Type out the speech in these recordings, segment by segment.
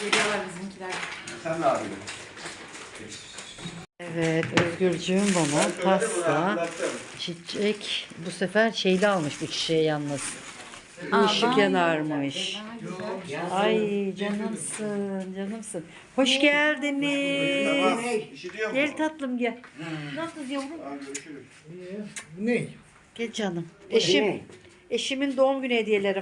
Geliyorlar bizimkiler. Sen ne yapıyorsun? Evet, Özgürcüğüm bana pasta, çiçek. Bu sefer şeyli almış bu çiçeği yalnız. Işık yanarmış. Ay canımsın, canımsın. Hoş geldiniz. İşitiyor mu? Gel tatlım gel. Nasılsınız yavrum? Görüşürüz. Ne? Gel canım. Eşimin doğum günü hediyelerim.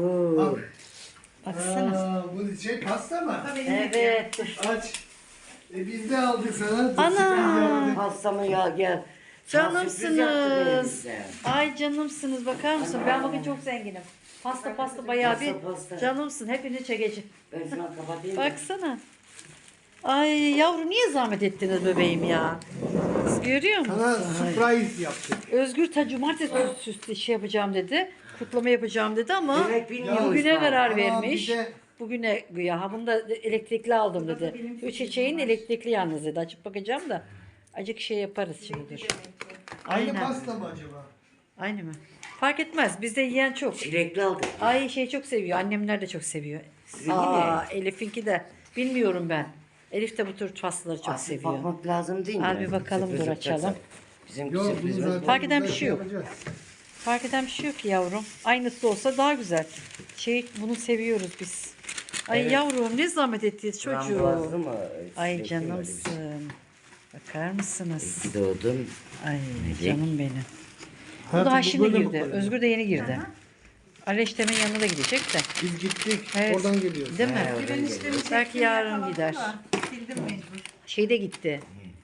Baksana. Bu şey pasta mı? Evet. Aç. Biz de aldık sana. Ana. Pastamı ya gel. Canımsınız. Ay canımsınız, bakar mısın? Ben bugün çok zenginim. Pasta bayağı bir Pasta. canımsın. Hepinizi çekeceğim. Ben sana kapatayım. Baksana. Ay yavrum niye zahmet ettiniz bebeğim ya? Siz görüyor Sana musun? surprise yaptık. Özgür ta cumartesi üstü şey yapacağım dedi. Kutlama yapacağım dedi ama Demek bilmiyoruz bugüne bak. karar Ama vermiş. bir de- Bugüne güya. Ha bunu da elektrikli aldım dedi. Bu çiçeğin elektrikli yalnız dedi. Açıp bakacağım da. Acık şey yaparız şimdi. Aynı Aynen. pasta mı acaba? Aynı mı? Fark etmez. Bizde yiyen çok. Çilekli aldık. Ay şey çok seviyor. Annemler de çok seviyor. Sizinki Elif'inki de. Bilmiyorum ben. Elif de bu tür pastaları çok Aslında seviyor. bakmak lazım değil mi? Al bir bakalım, dur Sürpriz açalım. yapacaksak. Bizim Yok bunu sürpriz var. zaten Fark eden bir güzel şey yok. yapacağız. Fark eden bir şey yok ki yavrum. Aynısı olsa daha güzel. Bunu seviyoruz biz. Ay Evet. yavrum ne zahmet ettiniz çocuğum. Frambuazlı mı? Ay Çilekli mi öyle bir şey? canımsın. Bakar mısınız? İyi ki doğdun. Ay canım benim. Bu Hayatım, daha bu şimdi böyle mi girdi. koyuyor? Özgür de yeni girdi. Aleştemin yanına da gidecek de. Biz gittik. Evet. Oradan geliyoruz. Değil mi? He, oradan geliyor. Belki yarın gider. Sildim mecbur. Şeyde gitti.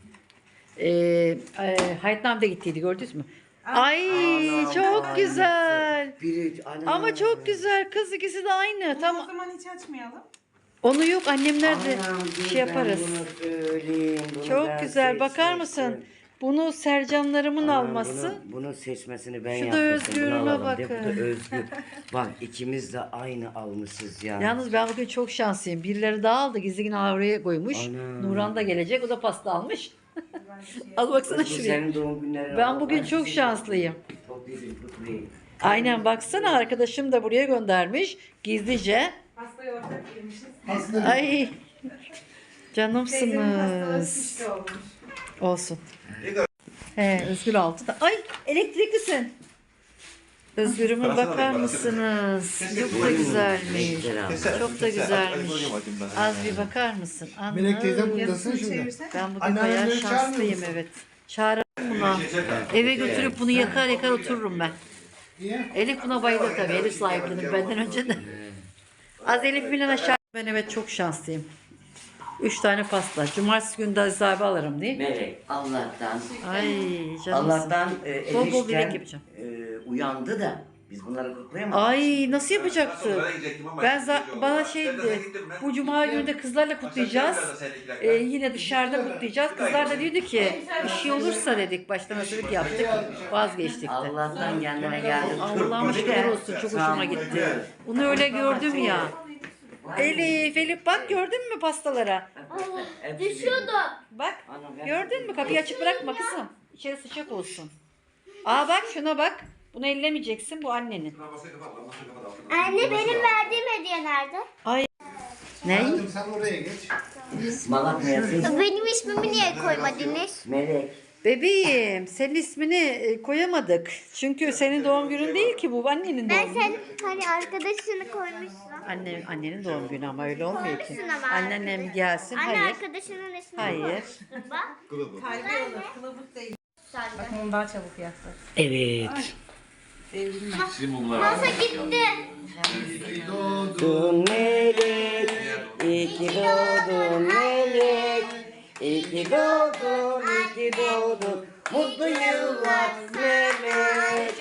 Hayatnam'da gittiydi, gördünüz mü? Ay Anam, çok aynısı. güzel. Biri, anam. Ama çok güzel. Kız ikisi de aynı. O Tamam. zaman hiç açmayalım. Onu yok annemler de Anam, dur şey yaparız. Ben bunu söyleyeyim. Bunu Çok ben güzel. Bakar seçmiştim. mısın? Bunu Sercanlarımın Anam, alması. Bunu seçmesini ben Şu da yaptım. Özgür'üme Bunu alalım bakın. de, Bu da Özgür. Bak ikimiz de aynı almışız ya. Yalnız ben bugün çok şanslıyım. Birileri daha aldı. Gizli yine oraya koymuş. Ana. Nuran da gelecek. O da pasta almış. Al baksana Özgür, şuraya. senin doğum günlerin Ben var. bugün çok şanslıyım. Çok iyi, çok iyi. Aynen baksana arkadaşım da buraya göndermiş. Gizlice. Pastayı ortak yemişiz. Pasta Ay Teyzemin pastaları canımsınız. şişti olmuş. Olsun. He Özgür altı da. Ay elektriklisin. Özgür'üme bakar mısınız? Çok da güzelmiş. Çok da güzelmiş. Az bir bakar mısın? Melek teyze Anam. buradasın şimdi. Çevirsen. Ben bugün Anneanneleri bayağı çağırmıyor şanslıyım musun? evet. Çağırırım buna. Eve götürüp bunu yakar yakar otururum ben. Niye? Elif buna bayılır tabii. Elif sahiplenir benden önce de. Az Elif filan aşağı. Ben evet çok şanslıyım. 3 tane pasta. Cumartesi günü de Aziz abi alırım değil mi? Melek Allah'tan Ay canım. Allah'tan Bol bol bilek enişten yapacağım. uyandı da biz bunları kutlayamadık. Ay nasıl yapacaktı? Bana şeydi. Bu cuma günü de kızlarla kutlayacağız. Yine dışarıda kutlayacağız. Kızlar da diyordu ki bir şey olursa dedik. Baştan hazırlık yaptık. Vazgeçtik de. Allah'tan kendine geldi. Allah'ıma şükürler olsun. Çok hoşuma gitti. Bunu öyle gördüm ya. Elif bak gördün mü pastalara? Düşüyordu. Bak gördün mü? Kapıyı açık bırakma kızım. İçeri sıcak olsun. Aa bak şuna bak. Bunu ellemeyeceksin, bu annenin. Anne benim verdiğim hediye nerede? Ne? Hayatım sen oraya geç. Malak mıyasın? Benim ismimi niye koymadınız? Melek. Bebeğim, senin ismini koyamadık. Çünkü senin doğum günün değil ki bu, annenin Ben doğum günü. sen hani arkadaşını koymuşsun. Annenin doğum günü ama öyle olmuyor ki. Koymuşsun ama Anneannem gelsin, Anne hayır. arkadaşının ismini Hayır. koymuşsun bak. Kalbi olur. Kılavuz değil. Sen de. Bakın onu daha çabuk yaklar. Evet. Devrilme. Masa gitti. Doğdun Melek. İyi ki doğdun Melek. İyi ki doğdun, iyi ki doğdun. Mutlu yıllar Melek.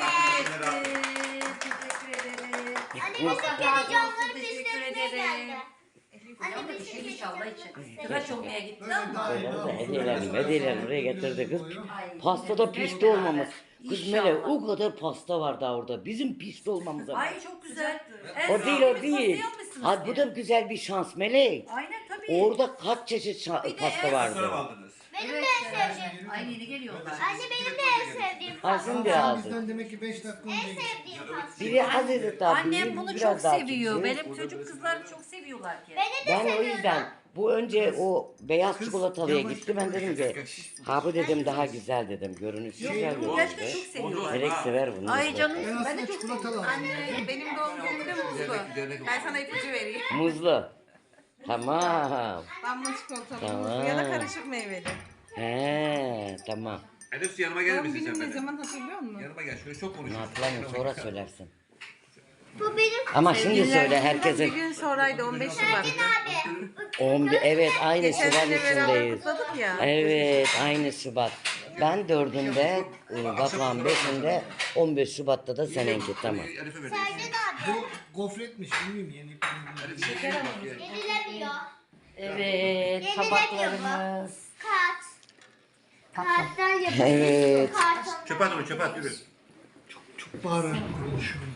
Anne bizim televizyonları Teşekkür pisletmeye ederim. geldi. Anne Bir bizim şey inşallah için. Tıraş olmaya gitti ama. Hediyelerini oraya getirdi kız. Pastada pişti olmamız. Kız Melek o kadar pasta var daha orada. Bizim pişti olmamıza. Ay çok güzel. O değil o değil. Ha, bu da güzel bir şans Melek. Aynen tabii. Orada kaç çeşit pasta vardı. Benim de en sevdiğim. Aynı yeni geliyorlar. Anne benim de en sevdiğim Ha pasta. şimdi aldım. Bizden demek ki 5 dakika En önce. sevdiğim pasta. Biri azıcık daha Annem büyük, bunu biraz çok daha seviyor. küçük. Benim çocuk kızlarım çok seviyorlar ki. Beni de Ben o seviyorum. yüzden bu önce o beyaz çikolatalıya gitti. Ben dedim ki ha bu dedim daha güzel dedim. Görünüşü güzel Bunu gerçekten görünüyor. çok seviyorlar. Melek sever bunu. Ay canım Ben ben de aslında çok çikolata seviyorum. lazım. Anne benim doğum günümde muzlu. Ben sana ipucu vereyim. Muzlu. Tamam. Damla çikolatalı Tamam. muzlu ya da karışık meyveli. He tamam. Elif yanıma gelir Doğum misin sen günüm ne benim? zaman hatırlıyor musun? Yanıma gel şöyle çok Ne konuşalım. hatırlamıyorum sonra söylersin. Bu benim Ama şimdi söyle Bir herkese. gün sonraydı 15 Şubat'ta. abi. 11 evet aynı Geçen Şubat sene beraber içindeyiz. kutladık ya. Evet aynı Şubat. Ben 4'ünde, Batuhan 5'inde, 15 Şubat'ta da seninki tamam. Elif'e vereyim. Sercan abi. Bu gofretmiş bilmiyorum yeni. Yenilemiyor. Evet tabaklarımız. Kart. Karttan yapıyoruz. Evet. Karton. Çöpe at onu çöpe at yürü. Çok bağırarak konuşuyorum.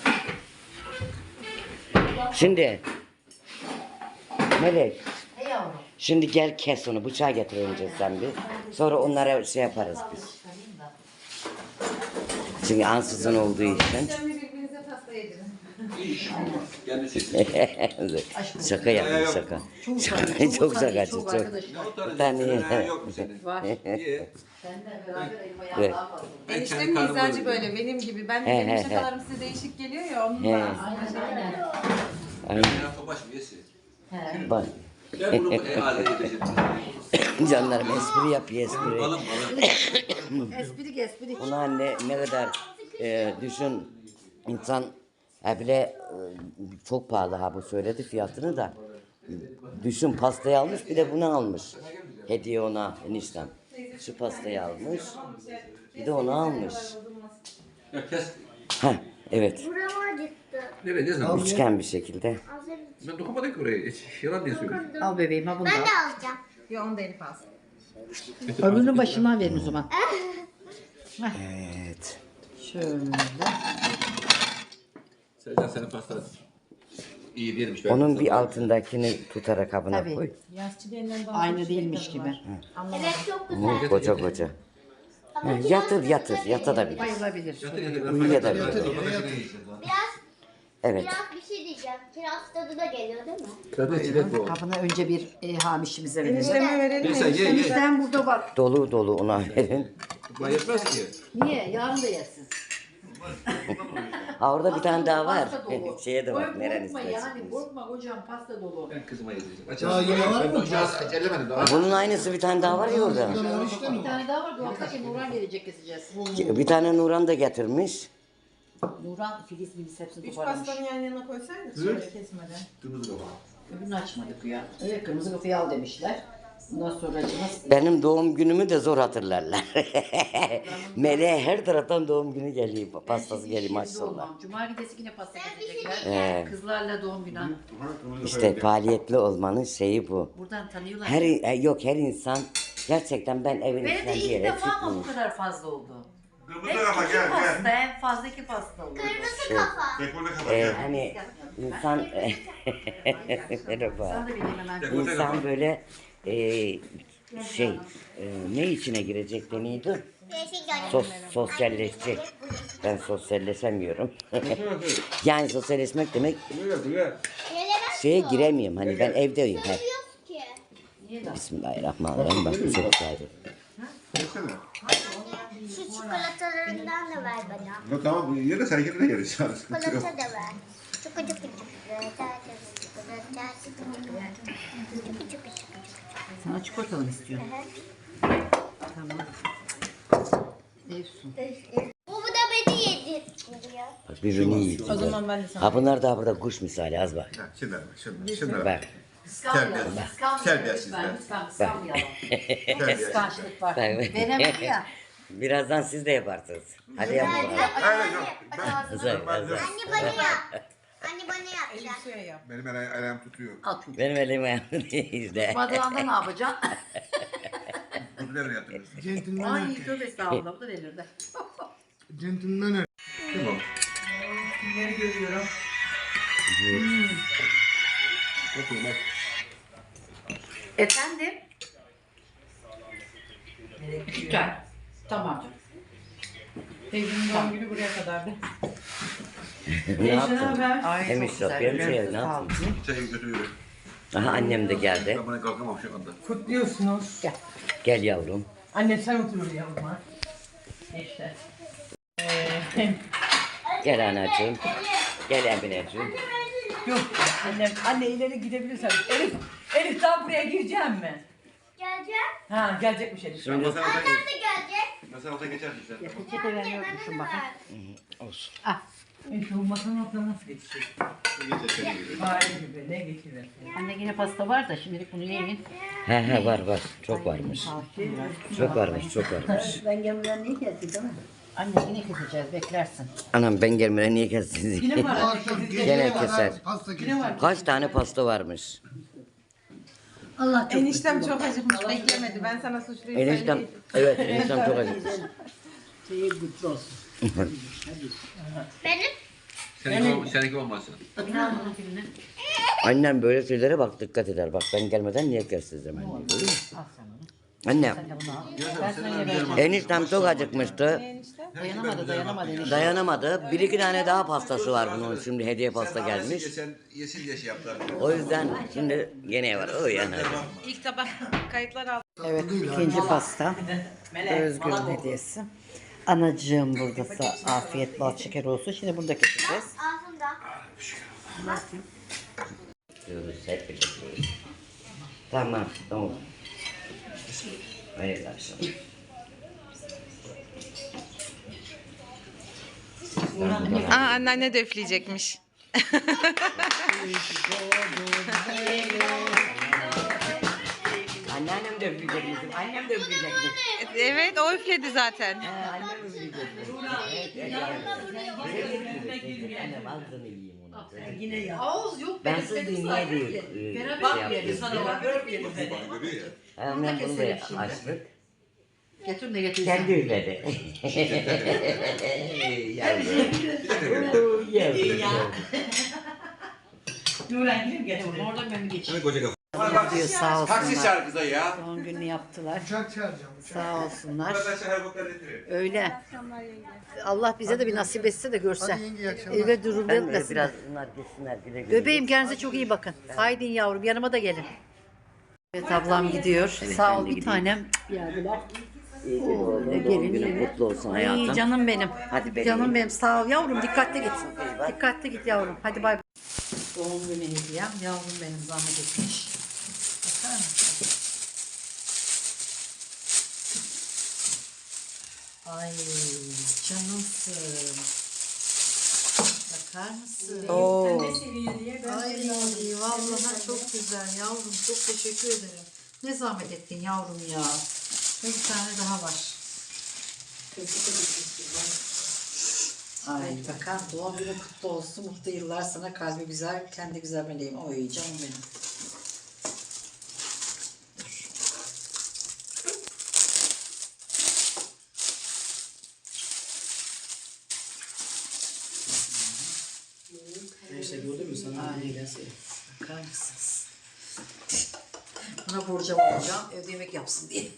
Şimdi Melek Ne yavrum? şimdi gel kes onu bıçağı getir önce sen bir. Sonra onlara şey yaparız biz. Çünkü ansızın olduğu için. Sen birbirinize pasta yedirin. Kendisi. Şaka yaptım şaka. Çok şakacı çok. Bir tane Yok mu senin? Var. İyi. Seninle beraber elma Evet. yağlar var. Eniştemin mizacı böyle benim gibi. Benim şakalarım size değişik geliyor ya onun He. da. Aynen. Ya topaş mı yesin? Bak. Gel bunu aile edeceğim. Canlarım espri yapıyor espri. Balım balım. Esprik. Ona ne kadar düşün insan bile çok pahalı ha bu söyledi fiyatını da. Düşün pastayı almış bir de bunu almış. Hediye ona eniştem. Şu pastayı almış. Bir de onu almış. Ya kes. Ha evet. Burama acıttı. Nereye ne zaman? Üçgen bir şekilde. Az önce Ben dokunmadım ki oraya. Hiç yalan diye söylüyorum. Al bebeğim ha bunu ben da. de alacağım. Ya onu da Elif alsın. Öbürünün başından verin o zaman. Evet. Şöyle. Sercan senin pastan iyi değilmiş. Onun bir altındakini tutarak kabına Tabii. koy. Aynı değilmiş gibi. Evet çok güzel. Hı, koca koca. Ama biraz Yatır yatabilir. Bayılabilir. Uyuyabilir. Evet. Biraz bir şey diyeceğim. Kiraz tadı da geliyor değil mi? Zaten çilek bu. Kabına önce bir hamişimize verelim. Enişteme verelim mi? Neyse ye ye. Bizden burada var. Dolu dolu ona verin. Bana yetmez ki. Niye? Yarın da yersin. Ha orada bir tane daha var. Pasta dolu. Şeye de var. Korkma Neren yani istersiniz? korkma hocam pasta dolu. Ben kızıma yedireceğim. Daha yine var mı? Aç ellemedim daha. Bunun aynısı bir tane daha var ya orada. Bundan işte mi? Bir tane daha var dolaptaki Nurhan gelecek keseceğiz. Bir tane Nuran da getirmiş. Nurhan Filiz hepsini Üç toparlamış. pastanı yan yana koysaydık şöyle kesmeden. Kırmızı baba. Öbürünü açmadık ya. Evet kırmızı kafayı al demişler. Bundan sonra acımaz. Benim doğum günümü de zor hatırlarlar. Meleğe her taraftan doğum günü geliyor. Pastası geliyor maşallah. Cuma gecesi yine pasta Ben bir şey getirecekler. Ee, Kızlarla doğum günü. işte faaliyetli olmanın şeyi bu. Buradan tanıyorlar. Yok her insan gerçekten ben evin Benim içinden de bir ilk yere defa ama çıkmıyorum. bu kadar fazla oldu. Kırmızı Hep kafa iki gel pasta, gel. en fazla iki pasta oldu. Kırmızı kafa. Dekorde kafa gel. Hani insan merhaba. Sen de benim hemen. Dekorde İnsan kafa. böyle ne içine girecek deniyordu? Değişik görünüyor. Sosyalleşecek. Ben sosyalleşemiyorum. Yani sosyalleşmek demek Buyur buyur. Gelemez şeye ki. giremiyorum. Hani ben evdeyim hep. Yok ki. Bismillahirrahmanirrahim. Bak bu çok güzel. Yesene. Şu çikolatalarından da ver bana. No tamam bu yere sen kendine gel. Çikolata da ver. Çuku çuku çuku. Sana çikolatalı mı istiyorsun? Tamam. Efsun. Bu da beni yedirtiyor. Bak birbirini yiyor. O zaman ben de sana. Ha bunlar da burada kuş misali az bak. Şimdi şimdi. Bak. Kıskanmayalım. Terbiyesiz Lütfen, be. lütfen kıskanmayalım. Kıskançlık var. Bak. Veremedi ya. Birazdan siz de yaparsınız. Hadi yapın. Hayır yok. Güzel, güzel. Anne bana yap. Anne bana Elif yap. suya yap. Benim ayağım tutuyor. Al çünkü. Benim elim ayağım işte. Badığında ne yapacaksın? Kuzularını yatırırız. Centilmen Ay erkek. tövbe estağfurullah bu da delirdi. Centilmen erkek. Kim o? Kimleri görüyorum? Bakın bak. Efendim? gerekiyor. Güzel. Tamam. Teyzemin doğum günü buraya kadardı. Ne yaptın? Ay Hem çok israf, güzel. hem şey, Ellerinize ne yaptın? sağlık. Çayı götürüyorum. Aha annem de geldi. Ben bana kalkamam şu anda. Kutluyorsunuz. Gel yavrum. Anne sen otur yavrum. İşte. Gel anacığım. Gel Emineciğim. Yok anne ileri gidebilirsen. Elif daha buraya gireceğim mi? Geleceğim. Ha gelecekmiş Elif. Sen masaya Annem de gelecek. Masaya geçersin sen. Peçete ben yokmuşum bakın. Olsun. Elif bu masanın altına nasıl geçecek? Fare gibi ne geçirir? Anne yine pasta var da şimdilik bunu yiyin. He var. Çok varmış. Çok varmış. Ben gelmeden niye geldi değil mi? Anne yine keseceğiz beklersin. Anam ben gelmeden niye kestiniz? Yine var Bu anne. akşam kesin. Gene keser. Pasta Yine keser. var. Kaç tane pasta varmış? Allah çok Eniştem çok acıkmış beklemedi. Ben sana suçluyum. Eniştem, evet eniştem çok acıkmış. Benim. Seninki olmasın. Annem böyle şeylere bak dikkat eder. Bak ben gelmeden niye kestiniz hemen diye. Görüyor musun? Annem, eniştem çok acıkmıştı. dayanamadı. Dayanamadı. Bir iki tane daha pastası var bunun. Şimdi hediye pasta gelmiş. Sen yesin diye şey yaptılar. O yüzden şimdi gene var. O yani. İlk tabak kayıtlar al. Evet ikinci pasta. Özgür'ün hediyesi. Anacığım buradasa afiyet bal şeker olsun. Şimdi bunu da keseceğiz. Ağzımda. Diyoruz, hep birlikte diyoruz. Tamam. Hayırlı akşamlar. Anneanne de üfleyecekmiş. Anneannem de üfleyecekmiş. Annem de üfleyecekmiş. Evet o üfledi zaten. Annem üfleyecekmiş. Annem ağzını yiyeyim onu. Yine ya. Ağız yok. Ben siz niye değil şey yaptım. Annem bunu da açtık. Getir de getir. Kendi üfledi. Yavrum. Yavrum. Nuran gidip getir. Oradan ben bir geçeyim. Koca kafa. Diyor sağ Taksi olsunlar. şarkısı ya. Doğum gününü yaptılar. Uçak çağıracağım. Sağ olsunlar. Burada şey helikopter getiriyor. Öyle. Allah bize de bir nasip etse de görse. Hadi yenge, iyi akşamlar. Eve durur Ben demesin. biraz bunlar gitsinler güle güle. Bebeğim kendinize çok iyi bakın. Haydi yavrum yanıma da gelin. Evet ablam gidiyor. Sağ ol ben de bir gideyim. tanem. Geldiler. Doğum günün kutlu olsun İyi hayatım. canım benim. Hadi bebeğim. Canım benim sağ ol yavrum dikkatli git. Dikkatli git yavrum. Hadi bay bay. Doğum günü hediyem. Yavrum benim zahmet etmiş. Bakar mısın? Ay canımsın. Bakar mısın? Oo. Ay vallahi çok güzel yavrum. Çok teşekkür ederim. Ne zahmet ettin yavrum ya. Ve bir tane daha var. Ay bakalım doğum günü kutlu olsun. Mutlu yıllar sana kalbi güzel, kendi güzel meleğim. Oy canım benim. Neyse gördün mü sana? Bakar mısınız? Buna borcam olacağım. Evde yemek yapsın diye.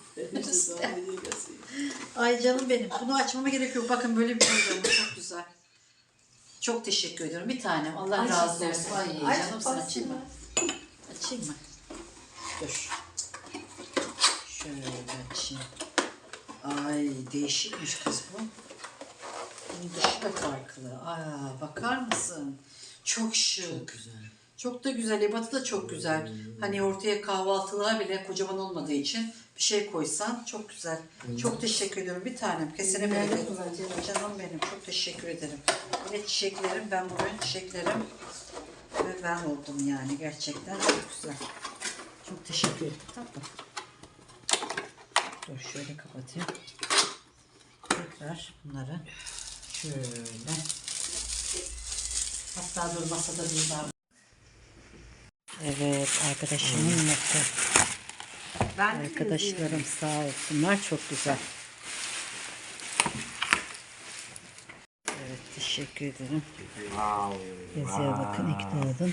Ay canım benim. Bunu açmama gerek yok. Bakın böyle bir borcam var. Çok güzel. Çok teşekkür ediyorum. Bir tanem. Allah razı olsun. Ay canım sen açayım mı? Açayım mı? Dur. Şöyle açayım. Ay değişikmiş kız bu. Bunun dışı da farklı. Aa, bakar mısın? Çok şık. Çok güzel. Çok da güzel. Ebatı da çok güzel. Hani ortaya kahvaltılığa bile kocaman olmadığı için bir şey koysan çok güzel. Çok teşekkür ediyorum. Bir tanem. Kesene bereket. Canım benim. Çok teşekkür ederim. Ve çiçeklerim. Ben bugün çiçeklerim. Ve ben oldum yani. Gerçekten çok güzel. Çok teşekkür ederim. Tatlım. Dur şöyle kapatayım. Tekrar bunları şöyle. Hatta dur masada bir daha. Evet arkadaşımın notu. Arkadaşlarım sağ olsunlar çok güzel. Evet teşekkür ederim. Yazıya bakın ikna oldun.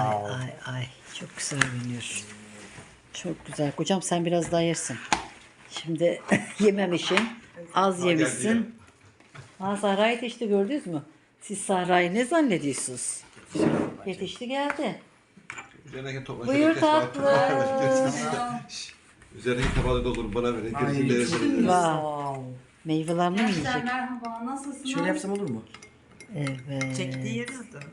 Ay çok güzel görünüyor. Çok güzel. Kocam sen biraz daha yersin. Şimdi yememişsin. Az yemişsin. Ha Sahra'yı yetişti gördünüz mü? Siz Sahra'yı ne zannediyorsunuz? Yetişti geldi. Üzerindeki topla Buyur tatlım. Üzerindeki tabağı doldurun bana verin. Gerisini de verin. Vay. Meyvelerini mi yiyecek? Merhaba, nasılsınız? Şöyle yapsam olur mu? Evet. Çektiği yeri zaten.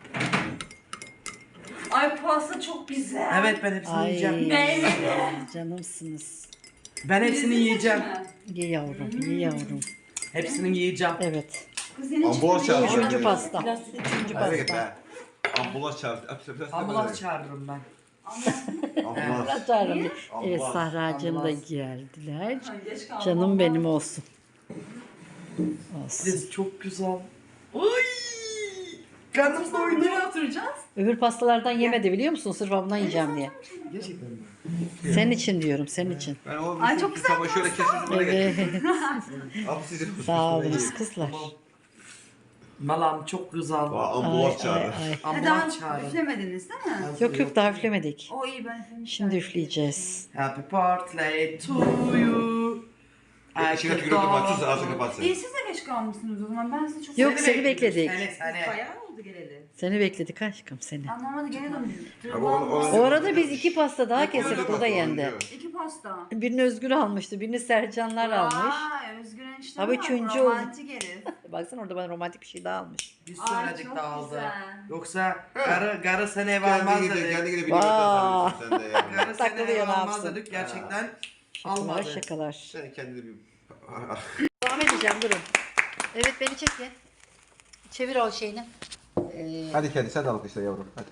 Ay pasta çok güzel. Evet ben hepsini Ay yiyeceğim. canımsınız. Ben hepsini yiyeceğim. Ye yavrum, ye yavrum. Hepsini yiyeceğim. Evet. Ambulans çağırdı. Üçüncü pasta. Üçüncü Hadi git pasta. be. Ambulans çağırdı. Ambulans çağırırım ben. Ambulans. Allah çağırın. Evet Sahra'cığım da geldiler. Canım benim olsun. Olsun. Siz çok güzel. Oy! Karnım doydu. Nereye oturacağız? Öbür pastalardan yemedi biliyor musun? Sırf ondan yiyeceğim diye. Gerçekten mi? Senin için diyorum, senin için. Ben o Ay, çok güzel tabağı şöyle kesin bana getir. Evet. Abi sizin Sağ olunuz kızlar. Malam çok güzel. Ambulans çağırdı. Daha Ambulans çağırın. üflemediniz değil mi? Yok yok daha üflemedik. O iyi ben üflemiştim. Şimdi üfleyeceğiz. Happy birthday to you. İçine tükürüyorum bak. Sus ağzını kapatsın. İyi siz de geç kalmışsınız o zaman. Ben size çok Yok seni bekledik. Seni. Bayağı oldu geleli. Seni bekledik aşkım seni. Anlamadı gene döndüm. Abi o- O arada biz 2 pasta daha kesip burada yendi. 2 pasta. Birini Özgür almıştı, birini Sercanlar almış. Vay Özgür enişte Abi var, üçüncü oldu. romantik herif. Baksana orada bana romantik bir şey daha almış. Biz Ay, söyledik çok dağıldı. güzel. Yoksa garı seni ev almaz Kendi dedik. gide bir Vay. nimetten sen de yani. Garı seni Takılıyor, ev ne almaz yapsın? dedik. Gerçekten Şakalar almadı. şakalar. Sen kendini bir... Devam edeceğim durun. Evet beni çek ya. Çevir o şeyini. Hadi kendi sen de alkışla yavrum. Hadi.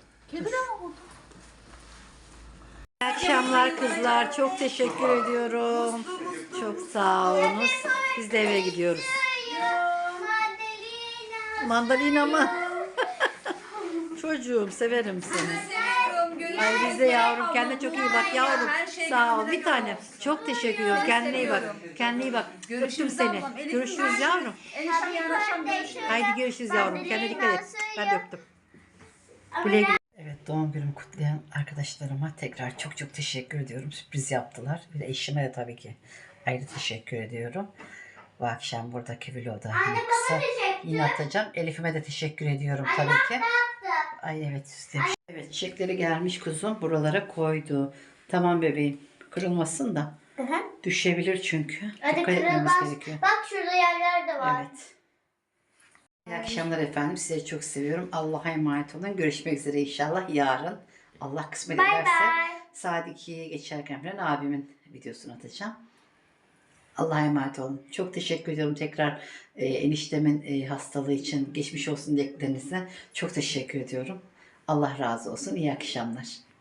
İyi akşamlar kızlar. Çok teşekkür ediyorum. Çok sağ olunuz. Biz de eve gidiyoruz. Mandalina mı? Çocuğum severim seni. Ay biz de yavrum kendine çok iyi bak yavrum. Sağ ol bir tanem. Çok teşekkür ediyorum. Kendine iyi bak. Kendine iyi bak. Öptüm seni. Görüşürüz yavrum. Eniştem yarın akşam görüşürüz. Haydi görüşürüz yavrum. Kendine dikkat et. Ben de öptüm. Güle güle. Evet doğum günümü kutlayan arkadaşlarıma tekrar çok çok teşekkür ediyorum. Sürpriz yaptılar. Bir de eşime de tabii ki ayrı teşekkür ediyorum. Bu akşam buradaki vlogu kısa yine atacağım. Elif'ime de teşekkür ediyorum tabii ki. Ay evet istemiş. Evet çiçekleri gelmiş kuzum buralara koydu. Tamam bebeğim kırılmasın da. Düşebilir çünkü. Hadi Dikkat etmemiz kırılmaz. gerekiyor. Bak şurada yerler de var. Evet. İyi akşamlar efendim. Sizleri çok seviyorum. Allah'a emanet olun. Görüşmek üzere inşallah yarın. Allah kısmet Bye ederse bye. saat 2'ye geçerken falan abimin videosunu atacağım. Allah'a emanet olun. Çok teşekkür ediyorum tekrar eniştemin hastalığı için geçmiş olsun dileklerinize. Çok teşekkür ediyorum. Allah razı olsun. İyi akşamlar.